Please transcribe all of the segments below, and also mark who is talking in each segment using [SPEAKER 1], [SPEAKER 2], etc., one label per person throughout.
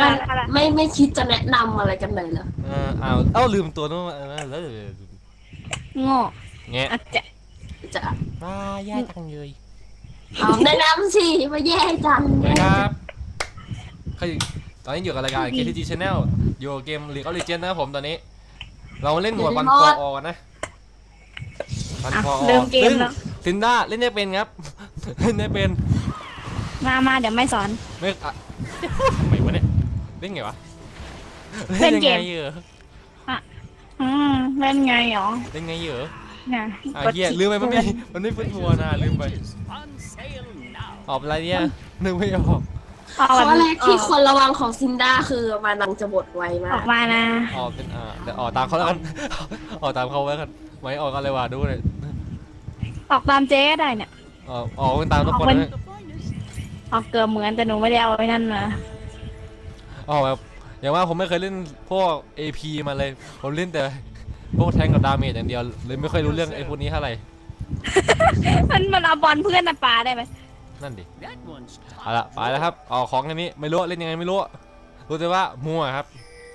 [SPEAKER 1] ไม่คิดจะแนะนำอะไรกันเลยเหรอ
[SPEAKER 2] เอาลืมตัวนู้นแล้ว
[SPEAKER 3] โง่
[SPEAKER 2] แงะ
[SPEAKER 3] อาจจะ
[SPEAKER 1] จะ
[SPEAKER 2] ว้าแย่จังเลย
[SPEAKER 1] เอาแนะนำสิมาแย่จัง
[SPEAKER 2] ครับตอนนี้อยู่กับรายการ KTG Channel อยู่เกม League of Legends นะครับผมตอนนี้ เราเล่นหมวดวันฟอร์อนะวันฟอร์
[SPEAKER 3] เริ่มเกมแล้ว
[SPEAKER 2] ซินด้าเล่นได้เป็นครับเล่นได้เป็น
[SPEAKER 3] มาเดี๋ยวไม่สอน
[SPEAKER 2] ไม่ทำไมวะเนี่ยเล่นไงวะ
[SPEAKER 3] เล่นเกม
[SPEAKER 2] เหรอ
[SPEAKER 3] เล่นไงหรอ
[SPEAKER 2] เล่นไงเหรอ
[SPEAKER 3] เนี่ย
[SPEAKER 2] เหี้ยลืมไปมันไม่ฟื้นตัวนะลืมไปออกอะไรเนี่ยนึกไม่ออก
[SPEAKER 1] ข้อแรกที่ควรระวังของซินด้าคือมานังจะบดไวมาก
[SPEAKER 3] ออกมานะ
[SPEAKER 2] ออกเป็นเดี๋ยวออกตามเขาแล้วกันออกตามเขาไว้กันไว้ออกกันเลยว่ะดูเลย
[SPEAKER 3] ออกตามเจ๊ได้เนี่ย
[SPEAKER 2] ออกตามทุกคนเลย
[SPEAKER 3] ออกเกือบเหมือนแต่หนูไม่ได้เอาไว้นั่นมา
[SPEAKER 2] ออกแบบอย่างว่าผมไม่เคยเล่นพวก AP มาเลยผมเล่นแต่พวกแทงกับดาเมจอย่างเดียวเลยไม่ค่อยรู้เรื่องไอ้พวกนี้เท่าไหร่
[SPEAKER 3] มันเอาบอลเพื่อนปาได้ไหม
[SPEAKER 2] นั่นดิเอาละไปแล้วครับออกของอันนี้ไม่รู้เล่นยังไงไม่รู้รู้แต่ว่ามัวครับ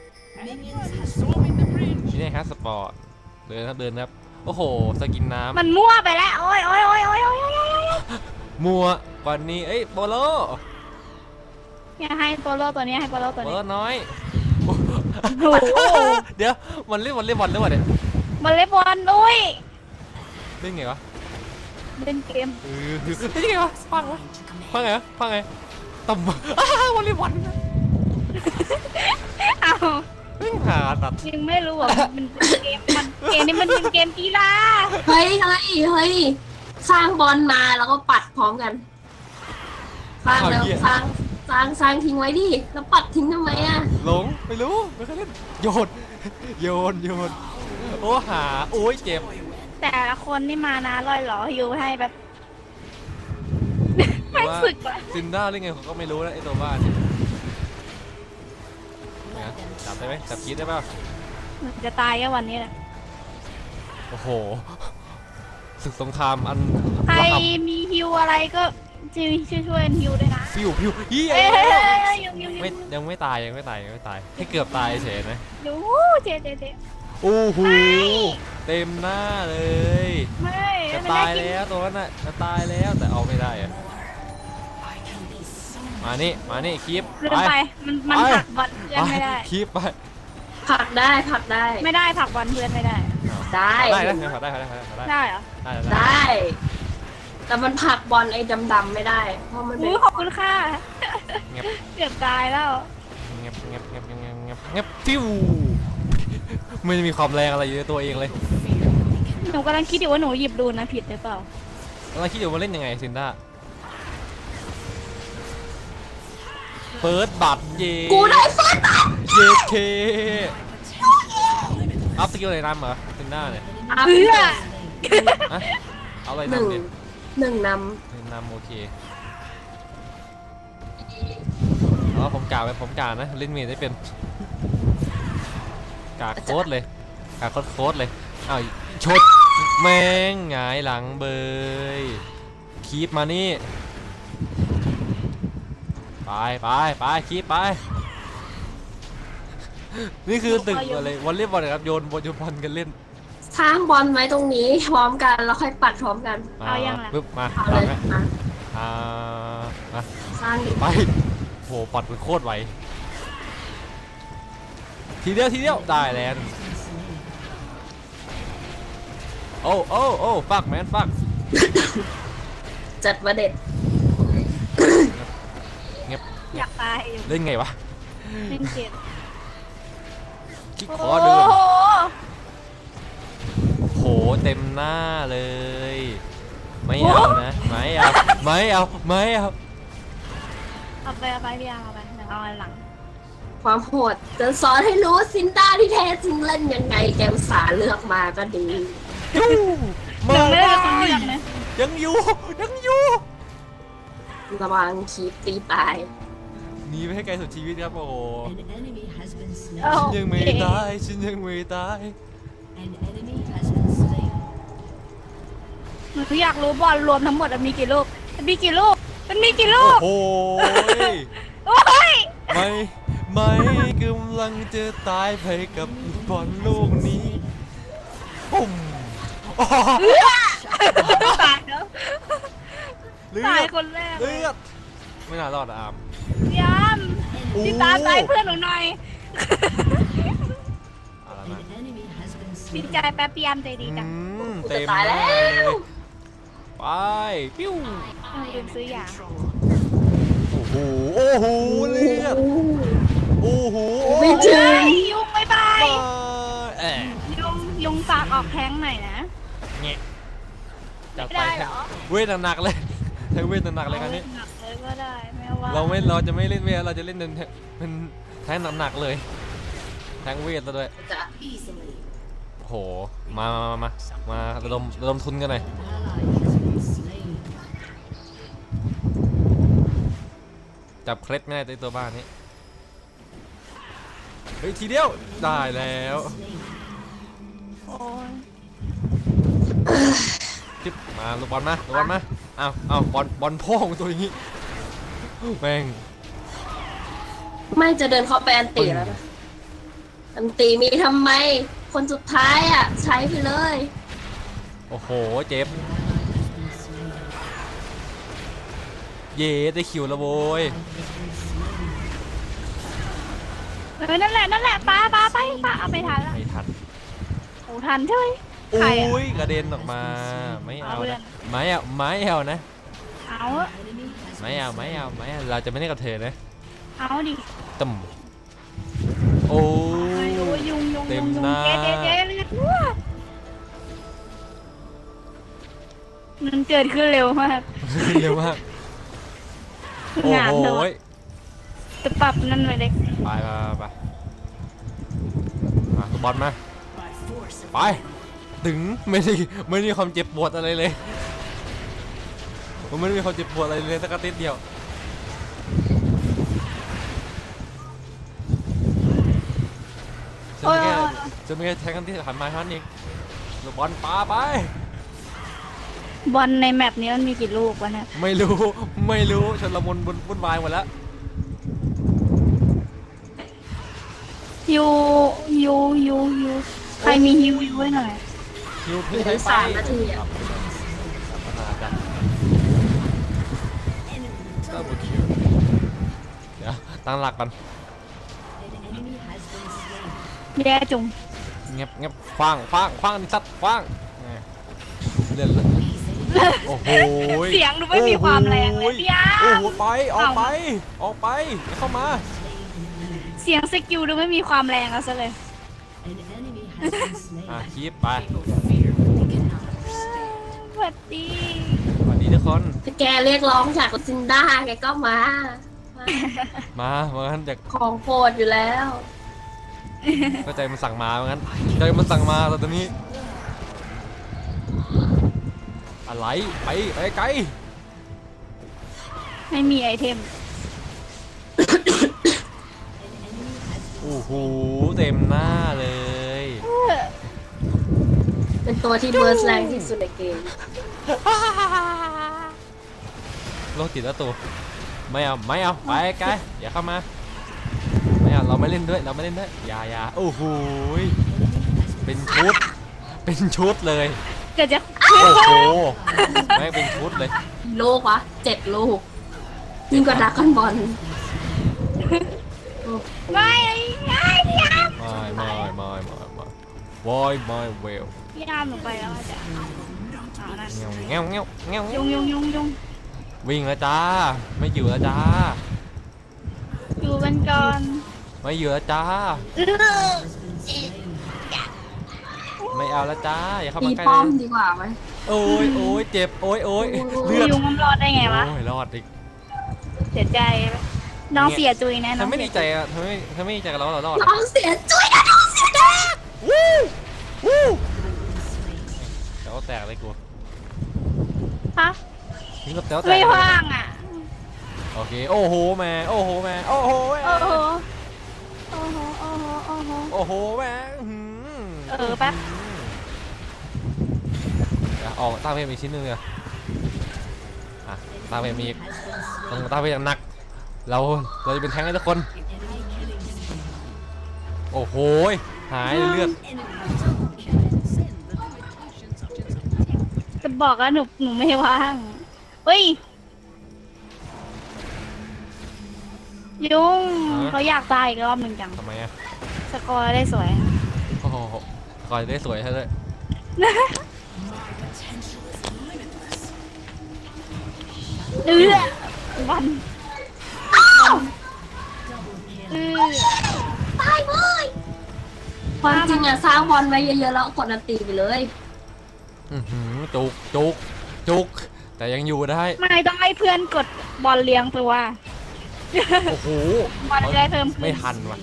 [SPEAKER 2] นี่ครับสปอร์ตเดินครับโอ้โหสกินน้ำ
[SPEAKER 3] มันมั่วไปแล้วโอ้ย
[SPEAKER 2] มัวกว่านี้เอ้ยโปโล
[SPEAKER 3] เนี่ยให้โปโลตัวนี้ให้โปโลตัวนี้
[SPEAKER 2] น้อย
[SPEAKER 3] โอ้
[SPEAKER 2] เดี๋ยวมันเล่นบอลหรือเปล่าเนี่ย
[SPEAKER 3] มันเล่นบอลด้วย
[SPEAKER 2] เล่นไงวะ
[SPEAKER 3] เล่นเกม
[SPEAKER 2] เล่นไงวะฟังไงต่ำวอลเลย์บอล
[SPEAKER 3] เอา
[SPEAKER 2] ไม่หาตัด
[SPEAKER 3] ยังไม่รู้ว่ามันเกมนี้มันเป็นเกมกีฬา
[SPEAKER 1] เฮ้ยสร้างบอลมาแล้วก็ปัดพร้อมกันสร้างแล้วสร้างทิ้งไว้ดิแล้วปัดทิ้งทำไมอ่ะ
[SPEAKER 2] หลงไม่รู้ไม่เคยเล่นโยนโอ้หาโอ้ยเจ็บ
[SPEAKER 3] แต่ละคนนี่มานะลอยหล่ออยู่ให้แบบไม่ฝึกว่ะ
[SPEAKER 2] ซินด้าเล่นไงเขาก็ไม่รู้นะไอตัวบ้านจับได้ไหมจับคิดได้ป่ะ
[SPEAKER 3] จะตายแค่วันนี้แหละ
[SPEAKER 2] โอ้โหศึกสงครามอัน
[SPEAKER 3] ใครมีฮิวอะไรก็ช่วยฮิวด้วยนะ
[SPEAKER 2] ฮิวยี่ไม่ยังไม่ตายให้เกือบตายเฉยนะ
[SPEAKER 3] ดูเจ๊
[SPEAKER 2] โอ้โหเต็มหน้าเลย
[SPEAKER 3] ไม่
[SPEAKER 2] จะตายแล้วตัวนั้นน่ะจะตายแล้วแต่เอาไม่ได้อะมานี่คลิป
[SPEAKER 3] ไปมันผลักบอลเพื่อนไม่ได้
[SPEAKER 2] คลิปไป
[SPEAKER 1] ผลักได้
[SPEAKER 3] ไม่ได้ผลักบอลเพื่อนไม่ได้
[SPEAKER 1] ได้
[SPEAKER 2] ผลักได้
[SPEAKER 3] ได้เหรอ
[SPEAKER 1] ได้แต่มันผลักบอลไอ้ดำไม่ได้เพราะมันเป็น
[SPEAKER 3] ขอบคุณค่ะเกือบตายแล้ว
[SPEAKER 2] เงียบฟิวไม่มีความแรงอะไรอยู่ในตัวเองเลย
[SPEAKER 3] หนูกำลังคิดอยู่ว่าหนูหยิบดูนะผิดหรือเปล่าก
[SPEAKER 2] ำลังคิดอยู่ว่าเล่นยังไงซินด้าเฟิร์สบัต
[SPEAKER 1] กูได้เฟิร์สบัต
[SPEAKER 2] เคอัพสกิลอะไรนำเหรอซินด้าเนี่ยเอาอะไรนำเนี่ย
[SPEAKER 1] หนึ่งน
[SPEAKER 2] ำโอเคผมกานะเล่นเมย์ได้เป็นกาโค้ดเลยอ้าวชดแมงหงายหลังเบยคีบมานี่ไปคีบไปนี่คือตึกอะไรวอลเลย์บอลครับโยนบอลกันเล่น
[SPEAKER 1] สร้างบอลไว้ตรงนี้พร้อมกันแล้วค่อยปัดพร้อมกัน
[SPEAKER 3] เอายังไง
[SPEAKER 2] ปึ๊บมา
[SPEAKER 1] สร้าง
[SPEAKER 2] ไปโหปัดเป็นโคตรไวทีเดียวได้แล้วโอ้ฟักแมนฟัก
[SPEAKER 1] จัดมาเด็ด
[SPEAKER 2] เงียบ
[SPEAKER 3] อยากตาย
[SPEAKER 2] เล่นไงวะ
[SPEAKER 3] เล่นเกม
[SPEAKER 2] คิดขอเดินโหเต็มหน้าเลยไม่เอานะไม่เอา
[SPEAKER 3] เอาไปพี่เอาไปเดี๋ยวเอาหลัง
[SPEAKER 1] ความโหดจะสอนให้รู้ว่าซินด้าที่แท้จริงเล่นยังไงแกอุตส่าห์เลือกมาก็ดี
[SPEAKER 3] ไม่ได้เป็นคนเลือกนะ
[SPEAKER 2] ยังอยู่
[SPEAKER 1] ระวังคีบตีตาย
[SPEAKER 2] หนีไปให้ไกลสุดชีวิตครับโอ้ฉันยังไม่ตาย
[SPEAKER 3] หนูอยากรู้บอลรวมทั้งหมดมีกี่ลูกมันมีกี่ลูก
[SPEAKER 2] โอ้ยไหมกำลังจะตายไปกับบอลลูกนี้ปุ่มอ๋อ
[SPEAKER 3] ตายแล้ว
[SPEAKER 2] เลื
[SPEAKER 3] ตาย
[SPEAKER 2] อด
[SPEAKER 3] คนแรก
[SPEAKER 2] เลือดไม่น่ารอดอะอาม
[SPEAKER 3] พี่อามพี่ตามตายเพื่อนหนูหน่อย
[SPEAKER 2] อะไรนะ
[SPEAKER 3] พี่ใจแป๊บพี่อามใจดีจัง
[SPEAKER 2] เต็ม
[SPEAKER 1] ตาย
[SPEAKER 2] ห
[SPEAKER 1] แล้
[SPEAKER 2] น้าว เลยไปปิ้ว
[SPEAKER 3] ลืมซื้อยา
[SPEAKER 2] โอ้โหโอ้โหเลือดโอ้โห
[SPEAKER 1] ไม่ถึง
[SPEAKER 3] เฮ้ยยุงบายบาย
[SPEAKER 2] แอะ
[SPEAKER 3] ยุงฝากออกแท้งหน่อยนะ
[SPEAKER 2] เงี้ยจัด
[SPEAKER 3] ไม่
[SPEAKER 2] ไป
[SPEAKER 3] ได้เหรอ
[SPEAKER 2] เวทหนักๆเลยแทงเวทหนักๆเลยครั้นี้
[SPEAKER 3] หนักเลยก็ได้ไม่ว่า
[SPEAKER 2] เราจะไม่เล่นเวทเราจะเล่นเป็นแทงหนักๆเลยแทงเวทซะด้วย
[SPEAKER 1] จะ
[SPEAKER 2] โอ้โหมาระดมทุนกันหน่อยจับเคล็ดไม่ได้ตัวบ้านนี้เฮ้ยทีเดียวได้แล้ว
[SPEAKER 3] โอ้ย
[SPEAKER 2] จิ๊บมาลูกบอลมาเอาบอลพ่องตัวอย่างงี้แม่ง
[SPEAKER 1] ไม่จะเดินเข้าไปอันตีแล้วนะอันตีมีทำไม คนสุดท้ายอ่ะ ใช้ไปเลย
[SPEAKER 2] โอ้โหเจ็บเย่ได้คิวแล้วโว้ย
[SPEAKER 3] นั่นแหละป้าไปเอาไปทันละ
[SPEAKER 2] ไม่ทัน
[SPEAKER 3] โอ้ทันใช่ไหม
[SPEAKER 2] โอ้
[SPEAKER 3] ใครอะ
[SPEAKER 2] ยกระเด็นออกมาไม่เอา
[SPEAKER 3] เอาเพื่อ
[SPEAKER 2] นะ
[SPEAKER 3] น
[SPEAKER 2] ไม่เอานะ
[SPEAKER 3] เอาอะ
[SPEAKER 2] ไม่เอาเราจะไม่เล่นกับเธอนะ
[SPEAKER 3] เอาดิ
[SPEAKER 2] ตึมโอ้
[SPEAKER 3] โอ้ย
[SPEAKER 2] ย
[SPEAKER 3] ยุง
[SPEAKER 2] เต็มหน้า
[SPEAKER 3] เจ๊เลือดรั่วมันเกิดขึ้นเร็วมาก
[SPEAKER 2] เร็วมากโอ้
[SPEAKER 3] งาน
[SPEAKER 2] โห
[SPEAKER 3] เถอะจะปรับนั่นไปเล็ก
[SPEAKER 2] ไปมาลูกบอลมาไปถึงไม่ได้ความเจ็บปวดอะไรเลยผมไม่ได้มีความเจ็บปวดอะไรเลยสักนิดเดียวฉันไม่แค่แทงกันที่หันมาเท่านั้นเองลูกบอลปาไป
[SPEAKER 3] บอลในแมปนี้มันมีกี่ลูกวะเนี่ย
[SPEAKER 2] ไม่รู้ชนละมุนวุ่นวายหมดแล้ว
[SPEAKER 3] ยูใครมีฮิวไว้หน่อย
[SPEAKER 2] คิว
[SPEAKER 1] เห
[SPEAKER 2] เพิ่
[SPEAKER 1] ลื
[SPEAKER 2] ง
[SPEAKER 1] อ
[SPEAKER 2] ใช้
[SPEAKER 1] อีก
[SPEAKER 2] ไป
[SPEAKER 1] 3 นาทีอ่ะ
[SPEAKER 2] ปัญหาจัดดับเบิลคิวเดี๋ยวตั้งหลักก่อน
[SPEAKER 3] แย่จุง
[SPEAKER 2] เงียบคว้างนี่สัตว์คว้างเล่นเลยโอ้โห
[SPEAKER 3] เสียงดูไม่มีความแรงเลยพี่อา
[SPEAKER 2] โอ้
[SPEAKER 3] ร์
[SPEAKER 2] โหไปออกไปอย่าเข้ามา
[SPEAKER 3] เสียงสกิลดูไม่มีความแรงเอาซะเลย
[SPEAKER 2] คีบไป
[SPEAKER 3] สวัสดี
[SPEAKER 2] สวัสดีทุกคน
[SPEAKER 1] ถ้าแกเรียกร้องจากซินด้าแกก็มา
[SPEAKER 2] มางั้นจาก
[SPEAKER 1] ของโปรดอยู่แล้ว
[SPEAKER 2] ก็ใจมันสั่งมางั้นใจมันสั่งมาตอนนี้อะไรไปไกล
[SPEAKER 3] ไม่มีไอเทม
[SPEAKER 2] โอ้โหเต็มหน้าเลย
[SPEAKER 1] เป็นตัวที่เบิร์สแรงที่สุดในเกม
[SPEAKER 2] โรคจิตแล้วตัวไม่เอาไปไกลอย่าเข้ามาไม่เอาเราไม่เล่นด้วยอย่าโอ้โหเป็นชุดเลย
[SPEAKER 3] เกิดจะ
[SPEAKER 2] โอ้โหแม่งเป็นชุดเลย
[SPEAKER 1] ลูกวะ7 ลูกยิ่งกว่าดราก้อนบอล
[SPEAKER 3] ไม่พี่อาร์
[SPEAKER 2] ไม่วอยไม่เวล
[SPEAKER 3] พี่อาร์หนูไปแล้วอาจารย์เอานั่น
[SPEAKER 2] เงี้ยว
[SPEAKER 3] ยุง
[SPEAKER 2] วิ่งแล้วจ้าไม่อยู่แล้วจ้า
[SPEAKER 3] อยู่กันก่อน
[SPEAKER 2] ไม่อยู่แล้วจ้าไม่เอาแล้วจ้าอย่าเข้า
[SPEAKER 1] ตี
[SPEAKER 2] มาใกล้
[SPEAKER 1] ป้อม
[SPEAKER 2] เลย
[SPEAKER 1] ดีกว่าไหม
[SPEAKER 2] โอ้ยเจ็บโอ้ยเลือด
[SPEAKER 3] ยุงมันรอดได้ไงวะ
[SPEAKER 2] โอ้ยรอดอีก
[SPEAKER 3] เสียใจน้องเสียจุยนะ
[SPEAKER 2] เธ
[SPEAKER 3] น้อ
[SPEAKER 2] อง ไม่ดีใจ
[SPEAKER 3] เสีย
[SPEAKER 2] อ่ะเธอไม่ดีใจกับเรารอด
[SPEAKER 1] น้องเสียจุ้ยนะน้องเสียแดง
[SPEAKER 2] วู้เดี๋ยวแตกเลยกู
[SPEAKER 3] ฮะ
[SPEAKER 2] ถึงกับแต๋วแตก
[SPEAKER 3] ไม่ว่างอ่ะ
[SPEAKER 2] โอเคโอ้โหแม่โอ้โห
[SPEAKER 3] โอ้โห
[SPEAKER 2] แม่
[SPEAKER 3] แป๊บ
[SPEAKER 2] ออกตาเพลอีกชิ้นหนึงเลยตาเพลมีอีกต้องตาเพลอย่างหนักเราจะเป็นแทงให้ทุกคนโอ้โหหายเลือด
[SPEAKER 3] จะบอกว่าหนูไม่ว่างเฮ้ยยุงเขาอยากตายอีกรอบหนึ่งจัง
[SPEAKER 2] ทำไมอะ
[SPEAKER 3] สกอร์ได้สวย
[SPEAKER 2] โอ้โหก่อนได้สวยให้เลย
[SPEAKER 3] เออวันเออ
[SPEAKER 1] ตายเลยความจริงอะสร้างบอลไว้เยอะๆแล้วกดอันตีไปเลย
[SPEAKER 2] จุกแต่ยังอยู่ได้
[SPEAKER 3] ไม่ต้องให้เพื่อนกดบอลเลี้ยงตัว
[SPEAKER 2] โอ้โห
[SPEAKER 3] บอลจะได้เพิ่มขึ้น
[SPEAKER 2] ไม่ทันว่ะ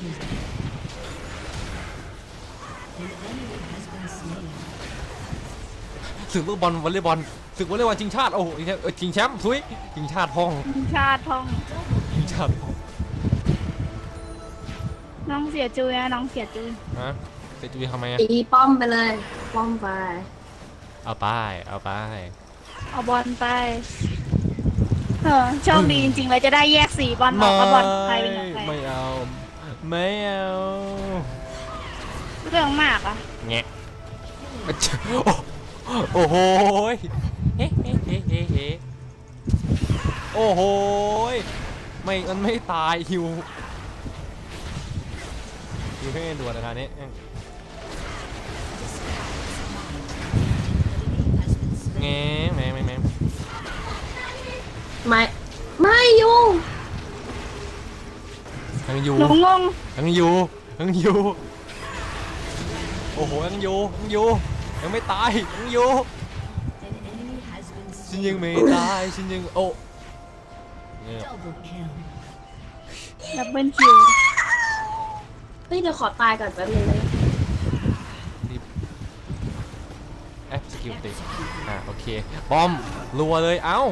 [SPEAKER 2] ศึกลูกบอลวอลเลย์บอลศึกวอลเลย์บอลชิงชาติโอ้โหชิงแชมป์ทุยชิงชาติพ่อง
[SPEAKER 3] ทีมชาติท่อง
[SPEAKER 2] ชิงชาติพ่อง
[SPEAKER 3] น้องเสียจุยนะน้องเสียจุย
[SPEAKER 2] ฮะเตะจุยทำไมอะ
[SPEAKER 1] ตีป้อมไปเลยป้อมไป
[SPEAKER 2] เอาไปเอาไป
[SPEAKER 3] เอาบอลไปโชคดีจริงๆเลยจะได้แยกสีบอลออกก็บอลใครเป็นของใคร
[SPEAKER 2] ไม่เอาไม่เอา
[SPEAKER 3] เรื่องมากอ่ะ
[SPEAKER 2] แงะโอ้โหเฮ้เฮ้เฮ้เฮ้เฮ้โอ้โหไม่มันไม่ตายฮิวให้ด่วนนะครับนี้แง่แม่
[SPEAKER 1] ไม่ยุ่ง
[SPEAKER 2] ยังอยู่
[SPEAKER 3] หนูงง
[SPEAKER 2] ยังอยู่โอ้โหยังอยู่ยังไม่ตายยังอยู่ฉันยังไม่ตายฉันยังโอ้เนี่ย
[SPEAKER 3] ดับเบิลคิว
[SPEAKER 1] เฮ้ยเดี๋ยวขอตายก่อนแป๊บนึงเลย
[SPEAKER 2] Fสกิลติดโอเคบอมรัวเลยเอ้า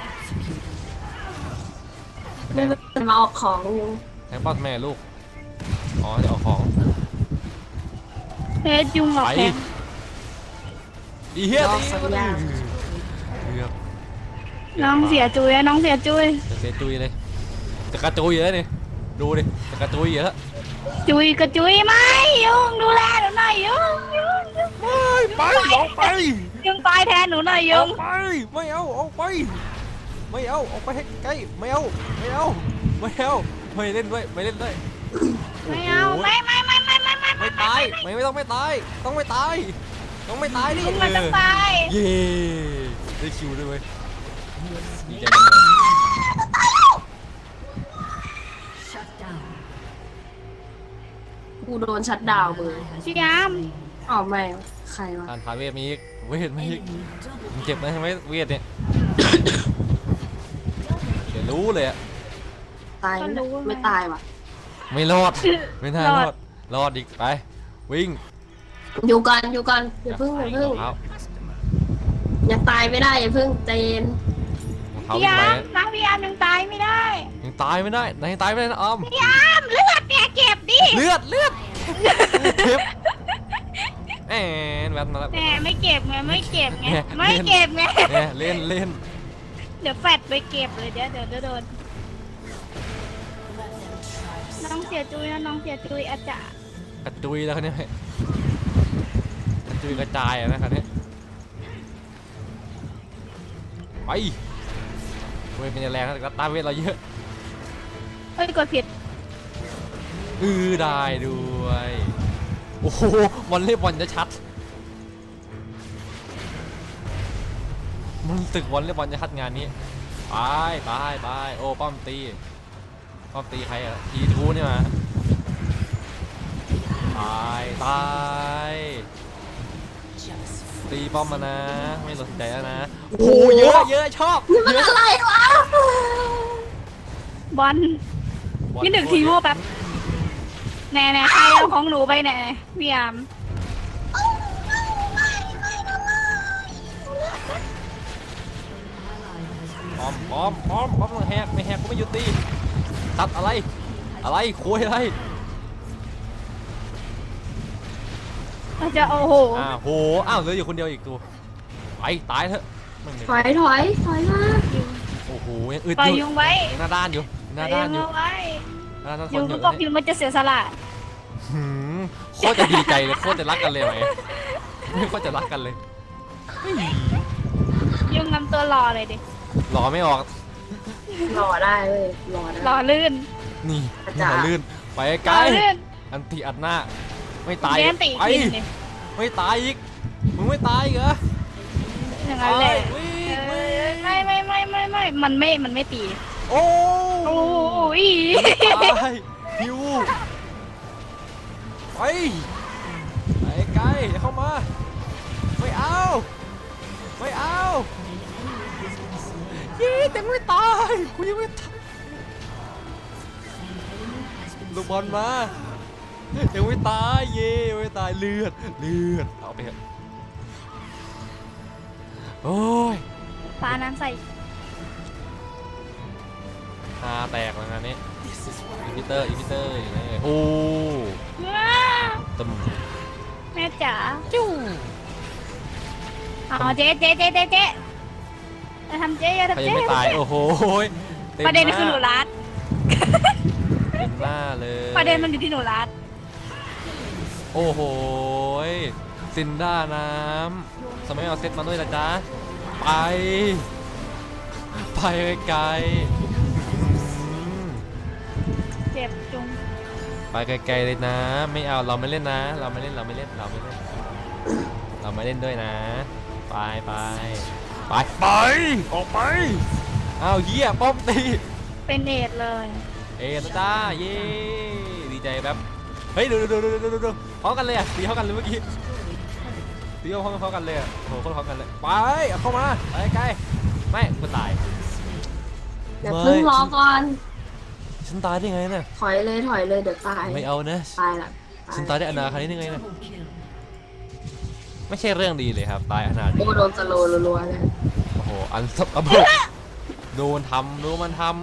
[SPEAKER 1] ไม่เป็นมาออกของอยู่
[SPEAKER 2] แทงป้อมแม่ลูกอ๋อจะเอาของ
[SPEAKER 3] เพชรยุงหลอกแทง
[SPEAKER 2] อีเหี้ยตีเกือบ
[SPEAKER 3] น้องเสียจุยน้องเสียจุย
[SPEAKER 2] จะเสียจุยเลยจะกระจุยอยู่แล้วนี่ดูดิจะกระจุยอยู่แล้ว
[SPEAKER 3] จุยกระจุยไหมยุงดูแลหนูหน่อยยุง
[SPEAKER 2] ไปออกไป
[SPEAKER 3] ยุงตายแทนหนูหน่อยยุง
[SPEAKER 2] ไปไม่เอาออกไปไม่เอาออกไปให้ใกล้ไม่เอาไม่เล่นด้วยไม่เล่นด้วย
[SPEAKER 3] ไม่เอาไม่
[SPEAKER 2] ไม่ตายไม่ต้องไม่ตายต้องไม่ตายดิ
[SPEAKER 3] ยุงมันต้องตาย
[SPEAKER 2] เย้ได้คิวด้วยเว้ยดีใจจังเลย
[SPEAKER 1] กูโดนชัดดาวน์มือ
[SPEAKER 3] พี่ยาม
[SPEAKER 1] อ๋อไม่ใครวะ
[SPEAKER 2] การพาเวทมีอีกเวทมีอีกมันเจ็บนะใช่ไหมเวทเนี่ยเดี๋ยวรู้เลยอะ
[SPEAKER 1] ตายไม่ตายว่ะ
[SPEAKER 2] ไม่รอดไม่น่ารอดอีกไปวิ่ง
[SPEAKER 1] อยู่กันอย่าพึ่ง
[SPEAKER 2] รองเท้า
[SPEAKER 1] ยังตายไม่ได้อย่าพึ่งใจเย็น
[SPEAKER 2] รองเท้า
[SPEAKER 3] พี่
[SPEAKER 2] วิ่ง
[SPEAKER 3] ยา
[SPEAKER 2] ไป
[SPEAKER 3] มน้องพี่ยามยังตายไม่ได้
[SPEAKER 2] ยังตายไม่ได้นะออม
[SPEAKER 3] พี่ยามเลือดเนี่ยเก็บดิ
[SPEAKER 2] เลือดเจ็บแอนแวดมาแล้ว
[SPEAKER 3] แหมไม่เก็บไงไม่เก็บไง
[SPEAKER 2] เนี่ย
[SPEAKER 3] ไม่เก็บไง
[SPEAKER 2] เนี่ยเล่น
[SPEAKER 3] เดี๋ยวแฟดไปเก็บเลยเดี๋ยวโดนน้องเสียจุยนะน้องเสียจุยอาจารย์
[SPEAKER 2] กระจุยแล้วคันนี้กระจุยกระจายอะนะคันนี้ไปเวทเป็นแรงแต่ตาเวทเราเยอะ
[SPEAKER 3] เฮ้ยกดผิด
[SPEAKER 2] ได้ด้วยโอ้โหวอลเลย์บอลจะชัดมันตึกวอลเลย์บอลจะชัดงานนี้ไปโอ้ป้อมตีใครอะทีทูนี่มาตายตีป้อมมานะไม่สนใจแล้วนะโอ้โหเยอะชอบ
[SPEAKER 1] นี่มันอะไรวะ
[SPEAKER 3] บอลนี่หนึ่งทีโม่แป๊บแน่ใครเอาของหนูไปแน่พี่ยาม
[SPEAKER 2] ป้อมต้องแหกไม่แหกก็ไม่หยุดตีตัดอะไรคุยอะไร
[SPEAKER 3] เราจะโอ้โห
[SPEAKER 2] อ้าวเหลืออยู่คนเดียวอีกตัวไปตายเถอะ
[SPEAKER 1] ถอยมา
[SPEAKER 2] โอ้โหยังอึด
[SPEAKER 3] ปล่อย
[SPEAKER 2] อ
[SPEAKER 3] ยุ
[SPEAKER 2] ยู่
[SPEAKER 3] งไว้
[SPEAKER 2] หน้าด้านอยู่
[SPEAKER 3] ปล่อยยุงเอาไว้
[SPEAKER 2] หน้าด้าน
[SPEAKER 3] ยุง
[SPEAKER 2] อยู่
[SPEAKER 3] ก็บอกยุงมันจะเสียสละ
[SPEAKER 2] หืมโคตรจะดีใจเลยโคตรจะรักกันเลยไหมไม่โคตรจะรักกันเลยเฮ้ย
[SPEAKER 3] ยุงนำตัวรอเลยดิ
[SPEAKER 2] หล่อไม่ออก
[SPEAKER 1] รอได้เว้ยรอได้
[SPEAKER 3] รอลื่น
[SPEAKER 2] นี่
[SPEAKER 1] อา
[SPEAKER 2] นี่
[SPEAKER 1] จารย์
[SPEAKER 2] หัวลื่นไปไก
[SPEAKER 3] ร
[SPEAKER 2] ล
[SPEAKER 3] อลื่น
[SPEAKER 2] อันตีอัดหน้าไม่ตาย
[SPEAKER 3] เล่นตี
[SPEAKER 2] ไป
[SPEAKER 3] กินดิ
[SPEAKER 2] ไม่ตายอีกมึงไม่ตายอีกเหรอ
[SPEAKER 3] อย่างนั้นแหละ
[SPEAKER 2] ไปวิ่ง
[SPEAKER 3] เอ
[SPEAKER 2] วิ่
[SPEAKER 3] อง ไม่มันไม่ตี
[SPEAKER 2] โอ้
[SPEAKER 3] โอ้ย
[SPEAKER 2] ตายฮิวไปไปไกลอย่าเข้ามาไม่เอาไม่เอายี่แต่ไม่ตายกูยังไม่ตายลูกบอลมายังไม่ตายเย่ยังไม่ตายเลือดเอาไปเถอะโอ้ย
[SPEAKER 3] ปลาน้ำใส่
[SPEAKER 2] ตาแตกแล้วงานนี้อีพิเตอร์อยู่ไหนเอ่ยโอ้
[SPEAKER 3] ว้า
[SPEAKER 2] ตึม
[SPEAKER 3] แม่จ๋า
[SPEAKER 2] จู้
[SPEAKER 3] เอาเจ๊จะทำเจ๊อย่า
[SPEAKER 2] ใคร
[SPEAKER 3] ทำ
[SPEAKER 2] ยัง
[SPEAKER 3] เจ๊
[SPEAKER 2] ไม่ตายโอ้โหต็ม
[SPEAKER 3] ประเด็น
[SPEAKER 2] หา
[SPEAKER 3] คือหนูรัด
[SPEAKER 2] เต็มหน้าเลย
[SPEAKER 3] ประเด็นมันอยู่ที่หนูรัด
[SPEAKER 2] โอ้โหซินด้าน้ำสมัยเอาเซตมาด้วยนะจ๊ะไปไกลๆ
[SPEAKER 3] เจ็บจุง
[SPEAKER 2] ไปไกลๆเลยนะไม่เอาเราไม่เล่นนะเราไม่เล่นด้วยนะไปออกไปอ้าวเหี้ยป้อมตี
[SPEAKER 3] เป็นเอดเลย
[SPEAKER 2] นะจ้าเย้ดีใจแบบเฮ้ยดูพร้อมกันเลยอ่ะตีเข้ากันเลยเมื่อกี้ตีเข้ากันเลยอ่ะโหคนพร้อมกันเลยไปเอาเข้ามาไปไกลไม่กูตาย
[SPEAKER 1] เดี๋ยวพึ่งรอก่อน
[SPEAKER 2] ฉันตายได้ไงเนี่ย
[SPEAKER 1] ถอยเลยเดี๋ยวตาย
[SPEAKER 2] ไม่เอานะ
[SPEAKER 1] ตายละ
[SPEAKER 2] ฉันตายได้อนาคตนี้ได้ไงเนี่ยไม่ใช่เรื่องดีเลยครับตายอนาคต
[SPEAKER 1] โอ้โดนสโลว์รัวๆเลย
[SPEAKER 2] โอ้โหอันสับอับกโดนทำดูมันทำ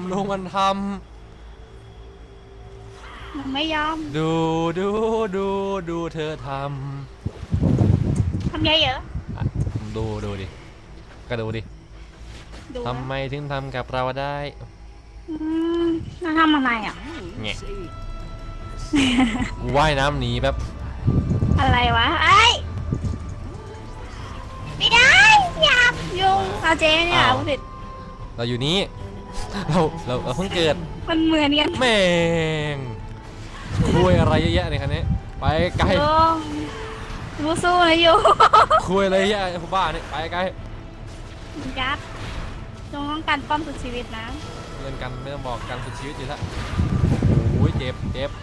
[SPEAKER 3] มันไม่ยอม
[SPEAKER 2] ดูเธอท
[SPEAKER 3] ทำไงเหรอ
[SPEAKER 2] ำดูดิก็ดูดิ
[SPEAKER 3] ดู
[SPEAKER 2] ทำไมถึงทำกับเราได้
[SPEAKER 3] น่าทำอะไรอ่ะ
[SPEAKER 2] แง่ว่ายน้ำหนีแบบ
[SPEAKER 3] อะไรวะไอ้ไม่ได้อยากยุงเอาเจ๊เนี่ยพูดผิด
[SPEAKER 2] เราอยู่นี้เราเพิ่งเกิด
[SPEAKER 3] มันเหมือนกัน
[SPEAKER 2] แม่งคุยอะไรเยอะแยะในคันนี้ไปไกล
[SPEAKER 3] ยุงสู้ๆนะยุง
[SPEAKER 2] คุยอะไรเยอะแยะผู้บ้านี่ไปไกล
[SPEAKER 3] ยัดจงต้องการป้อมสุดชีวิตนะ
[SPEAKER 2] เล่นกันไม่ต้องบอกกันสุดชีวิตอยู่แล้วโอ้ยเจ็บ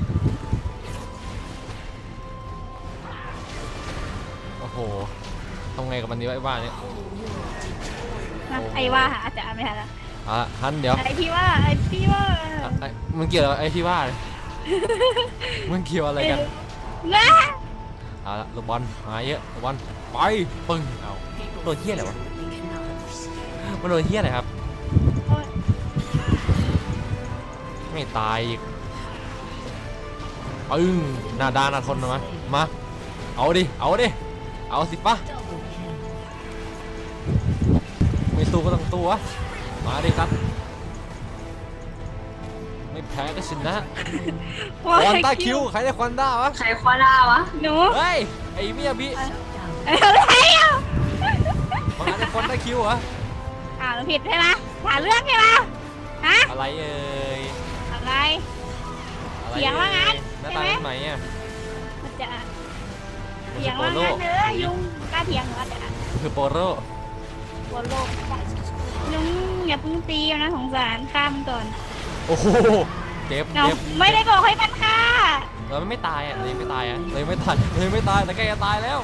[SPEAKER 2] โอ้โหทำไงกับมันดีวะไอ้บ้าเนี่ย
[SPEAKER 3] นะไอ้ว่าอาจจะไม่ทันละ
[SPEAKER 2] ฮันเดี๋ยว
[SPEAKER 3] ไอ้พี่ว่า
[SPEAKER 2] มันเกี่ยวอะไรไอ้ที่ว่าเลยมันเกี่ยวอะไรกัน
[SPEAKER 3] นะ
[SPEAKER 2] เอาละลูกบอลมาเยอะลูกบอลไปปึ้งเอาโดนเหี้ยอะไรวะมันโดนเหี้ยอะไรครับไม่ตายอีกปึ้งหน้าด้านหน้าทนนะมาเอาดิเอาสิปะไม่สู้ก็ต้องตัวมาดิครับไม่แพ้ก็ชนะควันต้าคิวใครได้ควันต้าวะ
[SPEAKER 1] ใครคว้าได้วะ
[SPEAKER 3] หนู
[SPEAKER 2] เฮ้ยไอ้เมียบิ
[SPEAKER 3] อะไรอ่ะ
[SPEAKER 2] มาได้ควันต้าคิวเหรอ
[SPEAKER 3] เราผิดใช่ไหมหาเรื่องใช่ไหมฮะ
[SPEAKER 2] อะไรเอ่ย
[SPEAKER 3] อะไร
[SPEAKER 2] อะไร
[SPEAKER 3] เถียงว่างั้น
[SPEAKER 2] หน้า
[SPEAKER 3] ใช่
[SPEAKER 2] ตา
[SPEAKER 3] ไหม
[SPEAKER 2] เป็นไหนอ่ะ
[SPEAKER 3] มันจะ
[SPEAKER 2] มัน
[SPEAKER 3] เถียง
[SPEAKER 2] โป
[SPEAKER 3] ว่า
[SPEAKER 2] โล
[SPEAKER 3] งั้นเนอะยุงกล้าเถียงเหรอจะ
[SPEAKER 2] คือโปโล
[SPEAKER 3] บนโลกยุงอย่าเพิ่งตีนะสงสารฆ่ามันก่อน
[SPEAKER 2] โอ้โหเจ็บ
[SPEAKER 3] เนาะไม่ได้บอกให้มันฆ่า
[SPEAKER 2] เราไม่ตายอ่ะเลยไม่ตายแต่ใกล้จะตายแล้ว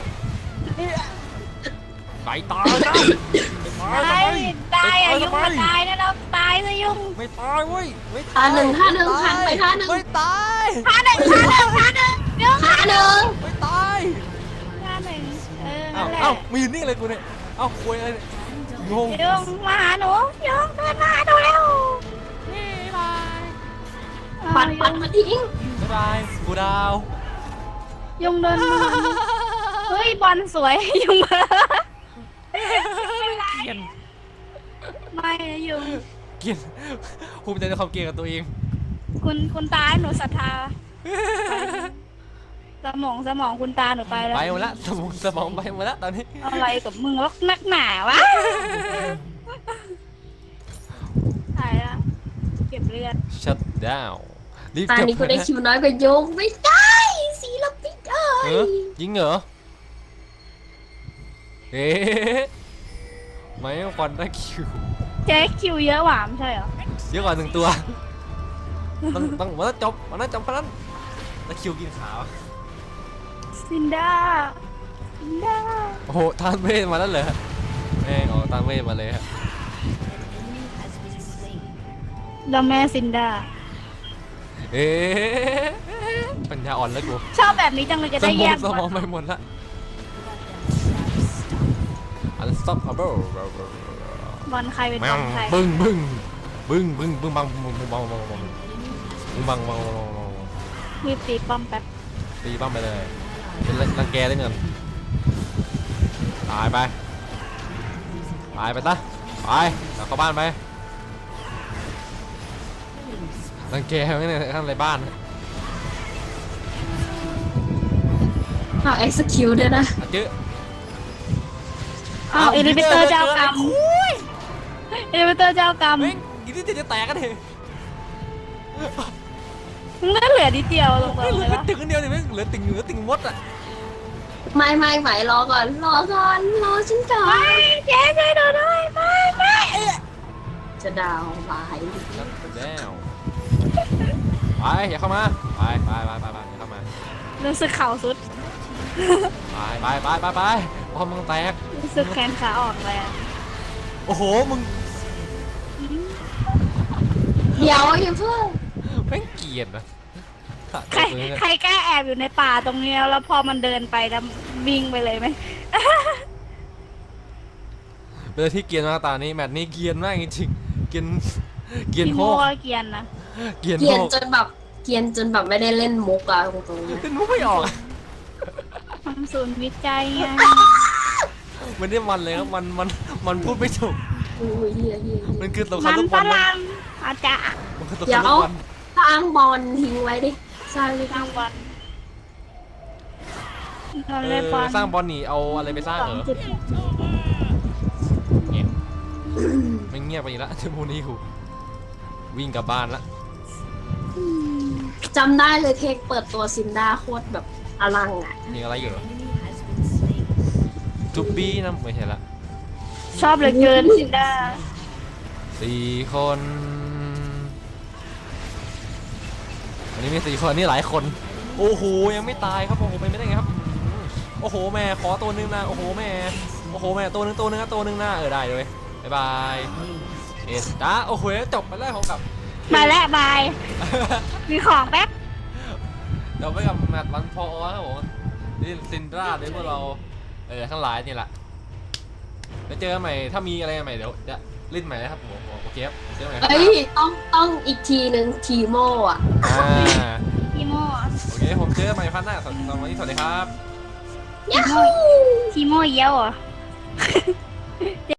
[SPEAKER 2] ไปตายนะไม่ตาย
[SPEAKER 3] ตายอ่ะยุง
[SPEAKER 2] ทำไม
[SPEAKER 3] มาตายนะเราตายซะยุง
[SPEAKER 2] ไม่ตายเว้ยไม่
[SPEAKER 1] ท่าหนึ่งคันไปท่าหนึ่ง
[SPEAKER 2] ไม่ตาย
[SPEAKER 3] ฆ่าหนึ่งยุง
[SPEAKER 1] ท่าหนึ่ง
[SPEAKER 2] ไม่ตาย
[SPEAKER 3] ฆ่าหนึ่ง
[SPEAKER 2] เอ้า
[SPEAKER 3] นั่นแหละ
[SPEAKER 2] เอ้ามีนี่อะไรกูเนี่ยเอ้าคุยอะไรงง
[SPEAKER 3] ยุงมาหาหนูยุงเดินมาหาหนูเร็ว
[SPEAKER 1] ปัดมาทิ้ง
[SPEAKER 2] บ๊ายบายกูดาว
[SPEAKER 3] ยุงเดินมาเฮ้ยบอลสวยยุงมา
[SPEAKER 2] เกลียน
[SPEAKER 3] ไม่นะยุง
[SPEAKER 2] เกลียนภูมิใจในความเกลียดกับตัวเอง
[SPEAKER 3] คุณตาหนูศรัทธาสมองคุณตาหนูไปแล้ว
[SPEAKER 2] ไปหมดละสมองไปหมดละตอนนี้
[SPEAKER 3] อะไรกับมึงวะนักหนาวะตายละเก็บเลือด
[SPEAKER 2] shut down รีบ
[SPEAKER 1] ตา
[SPEAKER 2] เก็บ
[SPEAKER 1] นี้ก็ได้คิวน้อยกว่าโยงไม่ได้ศิลปินเอ้
[SPEAKER 2] เอย อยิงเหรอเอ๊ะไม่ควันได้คิว
[SPEAKER 3] เจ๊คิวเยอะหวามใช่เหรอ
[SPEAKER 2] เยอะกว่า1 ตัวต้องมันต้องจบเพราะนั้นแล้วคิวกินขาว
[SPEAKER 3] ซินด้าซินด้า
[SPEAKER 2] โอ้โหทานเวทมาแล้วเหรอแม่งเอาทานเวทมาเลยฮะ
[SPEAKER 3] แล้วแม่ซินด้า
[SPEAKER 2] เอ๊ะปัญญาอ่อนแล้วกู
[SPEAKER 3] ชอบแบบนี้จังเลยจะได้แยก
[SPEAKER 2] สมองไปหมดละ unstoppable
[SPEAKER 3] บอลใครเป็น
[SPEAKER 2] แม
[SPEAKER 3] บ
[SPEAKER 2] ว
[SPEAKER 3] อลใคร
[SPEAKER 2] บึ้งบังบัง
[SPEAKER 3] รีบตีป้อมแป๊บ
[SPEAKER 2] ตีบ้างไปเลยเป็นรังแกได้เงินตายไปซะไปกลับเข้าบ้านไปรังแกไม่ในข้างในบ้าน
[SPEAKER 1] เอา execute ด้วยนะ
[SPEAKER 2] อ่ะจื้อ
[SPEAKER 3] อ้าวเอลิเวเตอร์เจ้ากรรมเอลิเวเตอร์เจ้ากรรม
[SPEAKER 2] เฮ้ยอีนี่จะแตกกันเหรอ
[SPEAKER 3] มึงก็เหลือนิดเดียวลงไป
[SPEAKER 2] เหลื
[SPEAKER 3] เล
[SPEAKER 2] อย แค่
[SPEAKER 3] วะ
[SPEAKER 2] ตึงอันเดียวเนี่ยไม่เหลือติ่งมดอ่ะ
[SPEAKER 1] ไม่รอก่อนรอฉันก่อน
[SPEAKER 3] ไม่เจ๊ช่วยดูด้วยไม่
[SPEAKER 1] จะดาวบาย
[SPEAKER 2] แล้วไปอย่าเข้ามาไปอย่าเข้ามา
[SPEAKER 3] รู้สึกเข่าสุด
[SPEAKER 2] ไปพอมึงแตก
[SPEAKER 3] รู้สึกแขนขาอ่อนเลยอะ
[SPEAKER 2] โอ้โหมึง
[SPEAKER 1] เดี๋ยวอย่าเพิ่ง
[SPEAKER 2] แม่งเกลียดนะ
[SPEAKER 3] ใครกล้าแอบอยู่ในป่าตรงนี้แล้วพอมันเดินไปแล้ววิ่งไปเลยไหม
[SPEAKER 2] เป็นอะไรที่เกลียดมากตานี้แมตช์นี้เกลียดมากจริงๆเกลียด
[SPEAKER 3] พี่
[SPEAKER 2] โห
[SPEAKER 3] โม่
[SPEAKER 2] ก
[SPEAKER 3] ก็เกรียนนะ
[SPEAKER 2] เกลียด
[SPEAKER 1] เกรี
[SPEAKER 2] โห
[SPEAKER 1] ยน
[SPEAKER 2] ก
[SPEAKER 1] จนแบบไม่ได้เล่นมุกอะตรงๆ
[SPEAKER 2] เป็นมุกไม่ออกอะ
[SPEAKER 3] ทำศูนย์วิจัยไง
[SPEAKER 2] มันได้มันเลยครับมันพูดไม่ถูก
[SPEAKER 1] อุ้ยเฮีย
[SPEAKER 2] มันคือสงคราม
[SPEAKER 3] มัน
[SPEAKER 2] ลูก
[SPEAKER 3] ฝ
[SPEAKER 2] บอลนะ
[SPEAKER 3] รั่งอาจารย์
[SPEAKER 2] มันคือสงค
[SPEAKER 1] เดี๋
[SPEAKER 2] ราย ม
[SPEAKER 1] ว
[SPEAKER 2] ลูกบอล
[SPEAKER 1] สร้างบอลทิ้งไว้ดิสร้างเลย
[SPEAKER 3] กลางวันนอน
[SPEAKER 2] เอ
[SPEAKER 3] เล่นบอ
[SPEAKER 2] อ
[SPEAKER 3] ล
[SPEAKER 2] สร้างบอลหนีเอาอะไรไปสร้างเหรอ เงียบไม่เงียบไปอีกแล้วชั่วโมงนี้กูวิ่งกลับบ้านละ
[SPEAKER 1] จำได้เลยเทคเปิดตัวซินด้าโคตรแบบอลังอะ
[SPEAKER 2] มีอะไรอยู่เหรอทูบี้นะไม่ใช่ละ
[SPEAKER 3] ชอบเหลือเกินซินด้า
[SPEAKER 2] 4 คนวันนี้มี4 คนนี่หลายคนโอ้โหยังไม่ตายครับโอ้โหเป็นไม่ได้ไงครับโอ้โหแม่ขอตัวนึงนะโอ้โหแม่ตัวนึงนะได้เลยบ๊ายบายเอสตาโอ้โหจบไปแล้วของกับ
[SPEAKER 3] มาแล้วบาย มีของแป๊บ
[SPEAKER 2] เดี๋ยวไปกับแมตช์วันพอครับผมนี่ซินดราด้วยพวกเราทั้งหลายนี่แหละแล้วเจอกันใหม่ถ้ามีอะไรใหม่เดี๋ยวจะเล่นใหม่นะครับผมโอเคครับเจอกันใหม่ครับ
[SPEAKER 1] เอ้ยต้องอีกทีนึงทีโมอะ
[SPEAKER 3] ทีโม่
[SPEAKER 2] โอเคผมเจอกันใหม่พันหน้าสำหรับวันนี้สวัสดีครับ
[SPEAKER 1] ยาฮู
[SPEAKER 3] ทีโม่เยี่ยวเหรอ่ะ